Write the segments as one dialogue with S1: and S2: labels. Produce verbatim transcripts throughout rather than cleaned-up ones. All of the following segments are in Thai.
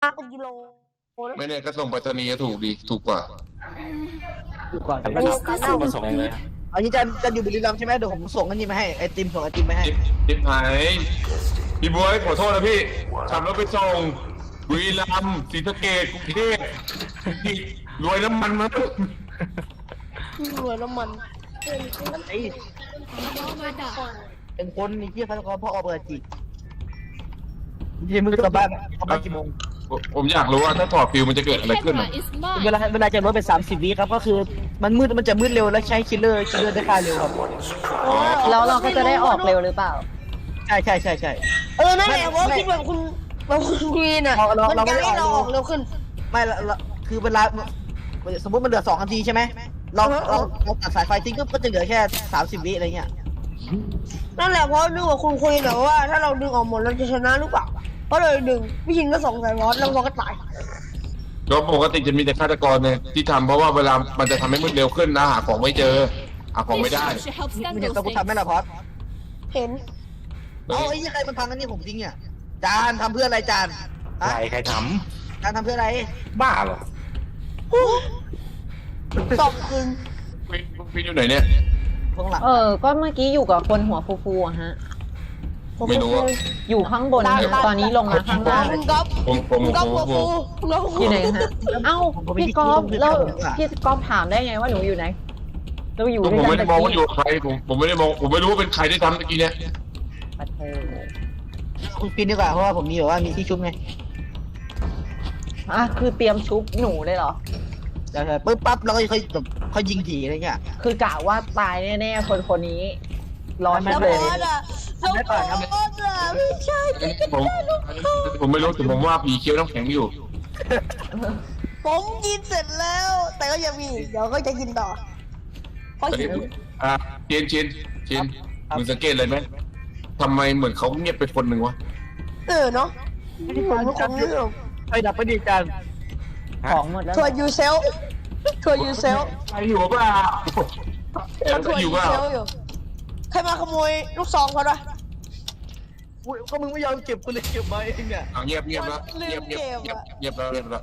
S1: เป็นกิโล
S2: ไม่เนี่ยก็ส่งไปรษณีย์ถูกดีถูกกว่า
S3: ดูก่อน
S4: ไม่ต้องมาส่งเลย
S3: เอางี้จะจะอยู่บุรีรัมย์ใช่ไหมเดี๋ยวผมส่งอันนี้มาให้ไอติมส่งไอติมมาให้
S2: จิ๊บจิ๊บหายพี่บวยขอโทษนะพี่ขับรถไปส่งบุรีรัมย์ศรีสะเกษกรุงเทพรวยน้ำมันมั้ง
S1: รวยน้ำมัน
S3: ไอ้เป็นคนนี่ที่เขาเขาพ่อเอาเบอร์จียี่มึงกลับบ้านกลับบ้านกี่โมง
S2: ผมอยากรู้ว่าถ้าถอดฟิวมันจะเกิดอะไรขึ้น
S3: เวลาเวลาจะลดไปสามสิบวิครับก็คือมันมืดมันจะมืดเร็วและใช้คิลเลอร์คิลเลอร์ได้ค่าเร็วครับ
S5: แล้วเราก็จะได้ออกเร็วหรือเปล่า
S3: ใช่ใช่ใช่ใช่
S1: เออนั่นแหละเพราะคิดแบบคุณแบบคุณควีนอ่ะมันจะให้เราออกเร็วขึ้น
S3: ไม่ละคือเวลาสมมติมันเหลือสองนาทีใช่ไหมเราเราเราตัดสายไฟทิ้งก็จะเหลือแค่สามสิบวิอะไรเงี้ย
S1: นั่นแหละเพราะนึกว่าคุณคุยแบบว่าถ้าเราดึงออกหมดเราจะชนะหรือเปล่าก็เลยดึงพี่ชินก็ส่งสายรอดแล้วเราก็ตาย
S2: ก็ปกติจะมีแต่ฆาตกรเนี่ยที่ทำเพราะว่าเวลามันจะทำให้มืดเร็วขึ้นนะหาของไม่เจอหาของไม่ได้
S3: ไม่เห็นตัวกูทำไหมล่ะพอด
S1: เห็น
S3: เอาไอ้ยี่ใครมันพังอันนี้ผมทิ้งเนี่ยจานทำเพื่ออะไรจาน
S4: ใครใครท
S3: จานทำเพื่ออะไร
S4: ำบ้าเหรอ
S1: ตบคืน
S2: พี่พี่อยู่ไหนเนี่ย
S3: ข้างหลัง
S5: เออ ก็เมื่อกี้อยู่กับคนหัวฟูๆอะฮะ
S2: ไม่รู้อะ
S5: อยู่ข้างบน ตอนนี้ลงมาข้างล่าง
S1: คุณก๊อฟ
S2: ผมผม
S1: คุณ
S2: ผ
S1: ก๊อฟ
S2: ม
S1: หัว
S2: ผ
S1: ฟู
S2: ม
S1: คุณก๊อฟหัวฟู
S5: อยู่ไหนฮะ เอ้า พี่ก๊อฟแล้วพี่ก๊อฟถามได้ไงว่าหนูอยู่ไหน เราอยู่ด้วย
S2: ผม
S5: กัน
S2: ไม่ได้
S5: แต่
S2: มองว่า
S5: กี้
S2: อยู่กับใครผมผมไม่ได้มองผมไม่รู้ว่าเป็นใครที่ทำเมื่อกี้เนี่ย
S5: ปะเธอ
S3: คุณกินดีกว่าเพราะว่าผมมีแบบว่ามีที่ชุบไง
S5: อ่ะคือเตรียมชุบหนูเลยเหรอ
S3: ใช่ใช่ปึ๊บปั๊บแล้วก็ค่อยแบบค่อยยิงถีอะไรเงี้ย
S5: คือกะว่าตายแน่ๆคนคนนี้ ร้อน
S3: ไม่
S5: มาก
S1: แล้ว
S5: เล
S1: บ
S5: ย
S1: อสอ่ะแล้วบอสอ่ะไม่ใช่
S2: ผมผมไม่รู้แต่ผมว่าผีเคี้ยวน้ำแข็งอยู่
S1: ผมกินเสร็จแล้ว แต่ก็ยังมีเดี๋ยวก็จะกินต่อเพราะหิว
S2: อ่ะเชนเชนเชนมึงสังเกตเลยไหมทำไมเหมือนเขาเงียบไปคนหนึ่งวะ
S1: เออเนาะผมทุกคนเรื่อง
S3: ไฟดับไปดีจาน
S5: ของหมดแล้ว
S1: ทัวร์ยูเซลทัวร์ยูเซล
S2: ใครอยู่เปล่า
S1: เขาทัวร์
S2: อ
S1: ยู
S2: ยู่เปล่า
S1: เซลอยู่ใครมาขโมยลูกซองเขาด้วย
S3: อุ้ยก็มึงไม่ยอมเก็บกูเลยเก็บมาเองเนี่ย
S2: อ่ะเงียบเงียบแล้วเงียบเงียบเงียบเงียบแล้วเงียบแล้ว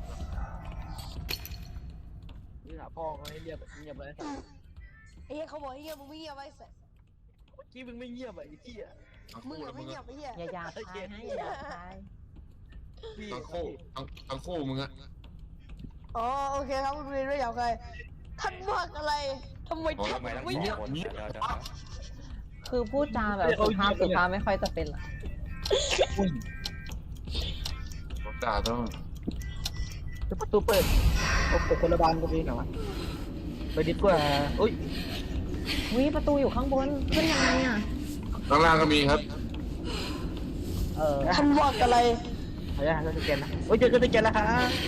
S3: นี่หาพ่อเขาให้เงียบเงียบเลย
S1: ไอ้เหี้ยเขาบอกให้เงียบมึงไม่เงียบไว้เสร็จ
S3: เมื่อกี้มึงไม่เงียบอ่ะไอ้ที่อ่ะ
S1: มึงอะไม่เงียบไอ้เหี้ย
S5: อย่าหยาบคายให้อย่าหยาบคาย
S2: ทั้งคู่ทั้งทั้งคู่มึงอะ
S1: อ๋อโอเคครับคุณเรียนไม่อยากใครท่านมากอะไรทำไม
S4: โอ้ย
S1: ท่าน
S4: ทำไมต้อง
S1: ไม่
S4: สอง
S1: เงียบ
S4: คนเดี๋ยวเดี๋ยวเดี๋ยว
S5: คือพูดจาแบบสุภาพสุภาพไม่ค่อยจะเป็นหรอก
S2: ด่าต้อง
S3: ประตูเปิดโอ้โหคนละบานกันเลยเหรอไปดีกว่าอุ้ย
S5: วิประตูอยู่ข้างบน ขึ้นยังไงอ่ะ
S2: ข้างล่างก็มีครับ
S3: เออ
S1: ท่านมากอะไร
S3: เอาละเราจะแกนนะโอ้ยเจอเจอแกนแล้วครับ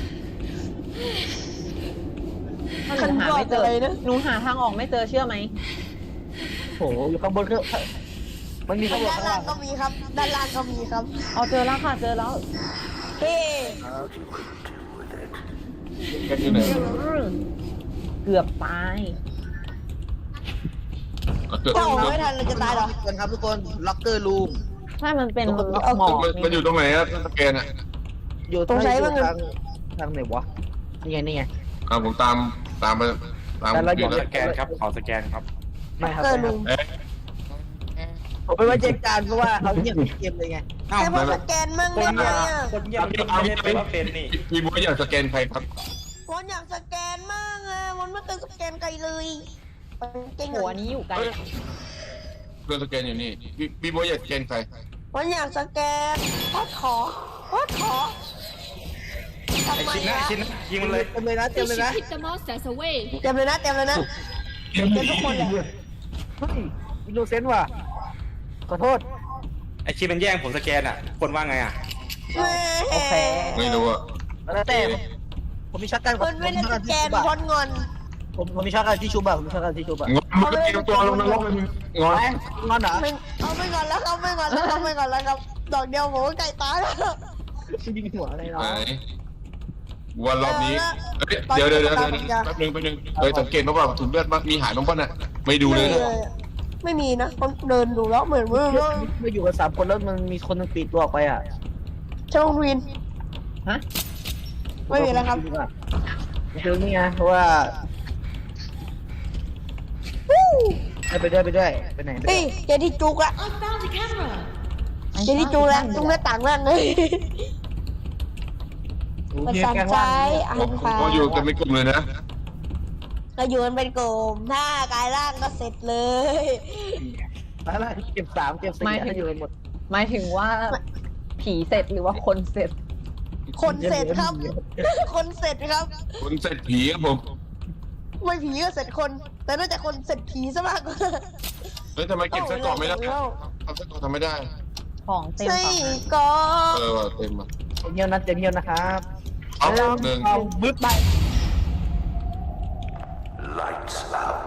S5: ถ้าหนูหาไม่เจอ หนูหาทางออกไม่เจอเชื่อไหม
S3: โอ้โหอยู่ข้างบนก็มันมีข้างบน
S1: ด้าน
S3: ข้าง
S1: ล่า
S3: ล่าง ง
S1: ก็มีครับ ด้านล่างก็มีครับ
S5: อ๋อเจอแล้วค่ะ เจอแล้ว
S1: เฮ้
S2: แกอยู่ไหน
S5: เกือบตาย
S2: เกิด
S1: ถ้าออกไม่ทันเราจะตายเหรอ
S3: กันครับทุกคนล็อกเกอร์รูม
S5: ถ้ามันเป็นหมอก
S2: มันอยู่ตรงไหนอะสแกนอะ
S3: อยู่ทางทางไหนวะนี่ไงนี่ไง
S2: อ่าผมตามตามไปตาม
S3: แต่เรา
S2: อ
S3: อยู่ ยู่
S2: แล้ว
S4: สแกนครับ ขอสแกนครับ
S3: ไม่ครับ
S1: เออลุง
S2: เอ๊ะ
S3: ผมไม่ไว้ใจจานเพราะว่าเขาเงียบเกมเลยไง
S4: อ้าว
S1: แค่พอสแกนมั่งได้ไหมอ่ะ
S4: คนเงียบไม่ได้เป็นว่าเป็นนี่
S2: พี่บัวอยากสแกนใครครับ
S1: วันอยากสแกนมั่งอ่ะวันไม่เคยสแกนใครเลยเก่ง
S5: หัว
S1: อ่ะ
S5: นี้อยู่ไกล
S2: เพื่อนสแกนอยู่นี่พี่พี่บัวอยากสแกนใคร
S1: วันอยากสแกนพอดขอพอดขอทำ
S4: ไอ้
S1: ไม
S4: ชิ้นนะ
S1: อ่ะ
S4: ชิ้นนะยิงมันเลย
S3: เต็มเลยนะเต็ม
S6: We
S3: เลยนะ
S6: should keep the monsters away.
S1: เต็มเลยนะเต็มเลยนะเต็มทุกคนเลย
S3: เฮ้ยอินโนเซนต์ว่ะขอโทษ
S4: ไอ้ชิ้นมันแย่งผมสแกนอ่ะ คนว่าไงอ่ะ
S5: โอเค
S2: ไม่รู้อะ
S3: แล้วแต่ผมมีช็อตกัน
S1: คนไม่ได้สแกนคนงอน
S3: ผมผมมีช็อตกันที่ชูบ่ะผมมีช็อตกันที่ชูบ่ะ
S2: งอนมึงก็เตรียมตัวลงนรกเลยมึงงอน
S3: ไอ้งอนเหรอ
S1: ไม่เอาไม่งอนแล้วครับไม่งอนแล้วครับไม่งอนแล้วครับดอกเดียวผมก็ไก่ตายแล้ว
S3: ยิงหัวอะไรเนาะ
S2: ไหนวันรอบนี้เดี๋ยวเดี๋ยวเดี๋ยวแป๊บนึงแป๊บนึงเฮ้ยสังเกตมาว่าถุงเลือดมีหายบ้างป่ะน่ะไม่ดูเลยนะ
S1: ไม่มีนะคนเดินดูแล้วเหมือนว่า
S3: ไม่อยู่กันสามคนแล้วมันมีคนนึงปีตัวออกไปอ่ะ
S1: ช่องวิน
S5: ฮะ
S1: ไม่มีแล้วครับ
S3: คือนี่ไงเพราะว่าไปด้วยไปด้วยไปไหนไปด้
S1: เฮ้
S3: วย ย
S1: เจที่จุกละ
S6: I found the camera.
S1: เจที่จุกละจุกหน้าต่างนั่นเลยประสานใจอ่านข่าว
S2: ก็อยู่กันเป็นกลุ่มเลยนะ
S1: เราอยู่กันเป็นกลุ่มถ้ากายร่างก็เสร็จเลย
S3: อะไรเก็บสามเก็บสี่ให้อยู่กันหมด
S5: หมายถึงว่าผีเสร็จหรือว่าคนเสร็จ
S1: คนเสร็จครับ คนเสร็จครับ
S2: คนเสร็จผีครับผม
S1: ไม่ผีก็เสร็จคน แต่น่าจะคนเสร็จผีซะมากกว่า
S2: เฮ้ยทำไมเก็บไส้กรอกไม่ได้ทำไส้กรอกทำไม่ได้
S5: ของเต็ม
S1: ใช่
S5: ฝั่ง
S1: ก็
S2: เออว่ะเต็มอ่ะ
S3: เงียวนะเต็มเงียวนะครับ
S2: เอาหนึ่ง
S3: เอาบึ้บไป
S7: Lights out.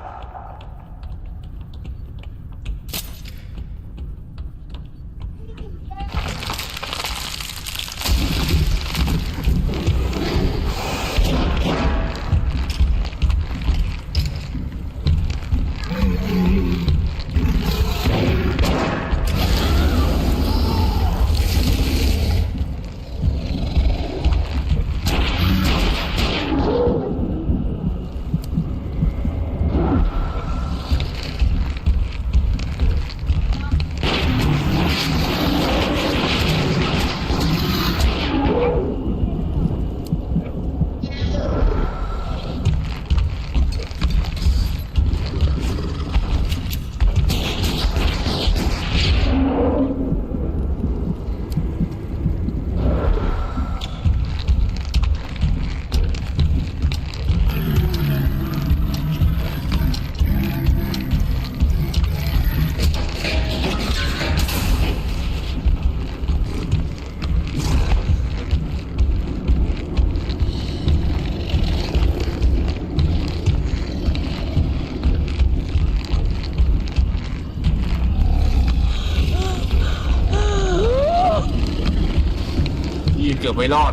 S2: พี่เกือบไม่รอด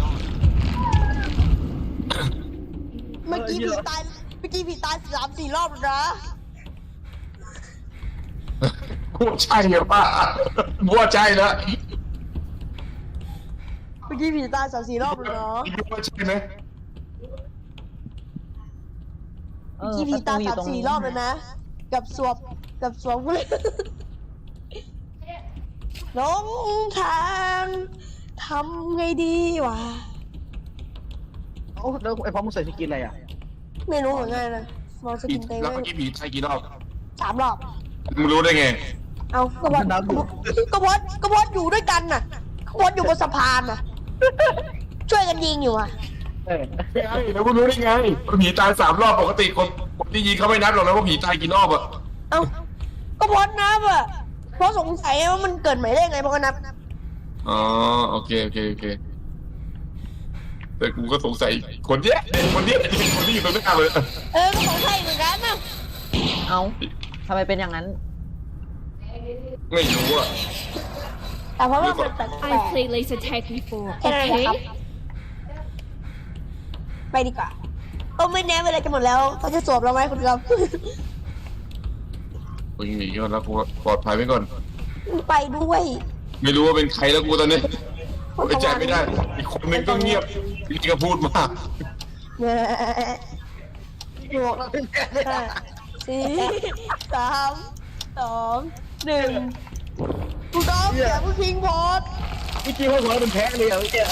S1: เมื่อกี้ผีตาย เมื่อกี้ผีตายสามสี่รอบแล้วนะ
S2: กูใช่เหรอป้าบัวใจแล้ว
S1: เมื่อกี้ผีตายสามสี่รอบแล้วเนาะ
S2: บัวใช่ไหม
S5: เอ
S1: เมื่อ
S5: อ
S1: กี้
S5: ป
S1: ผี
S5: ระ
S1: ตา
S5: ตู
S1: ย
S5: อยู่
S1: สาม
S5: ตรง
S1: สี่
S5: นี้
S1: รอบแล้วนะ กับสวบ กับสวบเลยหลงทางทำไงดีวะ
S3: โอ้แล้วไอ้พ่อมึงใส่สกินอะไรอ่ะ
S1: ไม่รู้เหมือนกันนะมองส
S2: ผี
S1: กินเต็ม
S2: แล้ว
S1: เล
S2: เมื่อย กี้ผีใช่กี่รอบ
S1: สามรอบ
S2: มึงรู้ได้ไง
S1: เอากบฏกบฏกบฏอยู่ด้วยกันน่ะกบฏอยู่บนสะพานน่ะ ช่วยกันยิงอยู่อ่ะ
S3: เออ
S2: ไงแล้วมึงรู้ได้ไงผีตายสามรอบปกติคนคนที่ยิงเขาไม่นับหรอกนะว่าผีตายกี่รอบอะ
S1: เอากบฏนับอ่ะเพราะสงสัยว่ามันเกิดใหม่ได้ไงเพราะก็นับ
S2: อ๋อโอเคโอเคโอเคแต่กูก็สงสัยคนเนี้ยคนเนี้ยคนที่อยู่ตรงหน้าเลย
S1: เออก็สงสัยเหมือนกันนะ
S5: เอ้าทำไมเป็นอย่างนั้น
S2: ไม่รู้อะ
S1: แต่เพราะว่ามันแปลก
S6: I played laser tag before.
S1: ๆแค่นั้นแหละ
S6: Okay.
S1: ครับ ไปดีกว่าเออไม่แน่เวลาจะหมดแล้วเขาจะสวบเราไหมคุณครับ
S2: กูยิงหนีก่อนแล้วกูปลอดภัยไว้ก่อน
S1: ไปด้วย
S2: ไม่รู้ว่าเป็นใครแล้วกูตอนนี้ไว้ใจไม่ได้ อีกคนนึงก็เงียบอีกก็พูดมาก
S1: เนี่ยหกห้าสี่สามสองหนึ่งคุณต้องอย่าเพิ่งทิ้งโพสต์
S3: เมื่อกี้พ่อหัวเป็นแพ้เลยอ่ะเมื่อกี้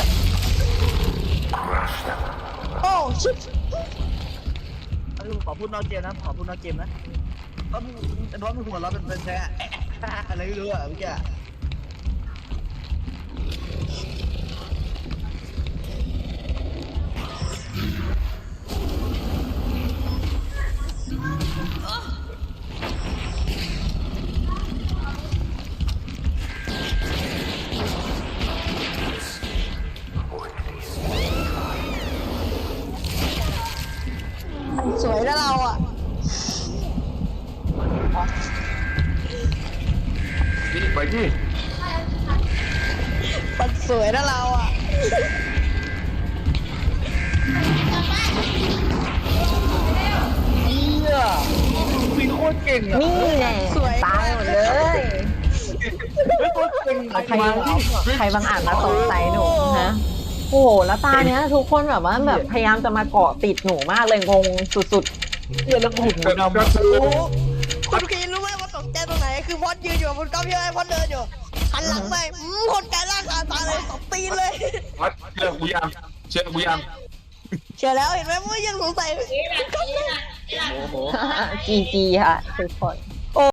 S1: โอ้ชิบ
S3: เอาลูกขอพูดนอกเกมนะขอพูดนอกเกมนะเพราะมึงเพราะมึงหัวเราะเป็นเป็นแพ้อะไรไม่รู้อ่ะเมื่อกี้
S1: สวยนะเราอ่ะ
S2: นี่ไปที่
S1: มันสวยนะเราอ่ะ
S3: เหี้ยมีโคตรเก่งอ่ะ
S5: นี่แน่
S1: สวย
S5: ตายหมดเลย
S3: ไม่โคตรเก่ง
S5: ใครใครบางอาจมาสงสัยหนูฮะโอ้โหแล้วตาเนี้ยทุกคนแบบว่าแบบพยายามจะมาเกาะติดหนูมากเลยงงสุด
S3: เฮียแล้วกูหูดำ
S2: ก็คือ
S1: โอ้โหคุณคีรู้ไหมว่าตกใจตรงไหนคือพอดยืนอยู่กับคุณก๊อฟใช่ไหมพอดเดินอยู่หันหลังไปอืมคนกลายร่างคาตาเลยตบตีนเลย
S2: วัดเชื่อกูยังเชื่อกูยัง
S1: เชื่อแล้วเห็นไหมว่ายังสงสัย
S5: ๆจีจีค่ะทุกคน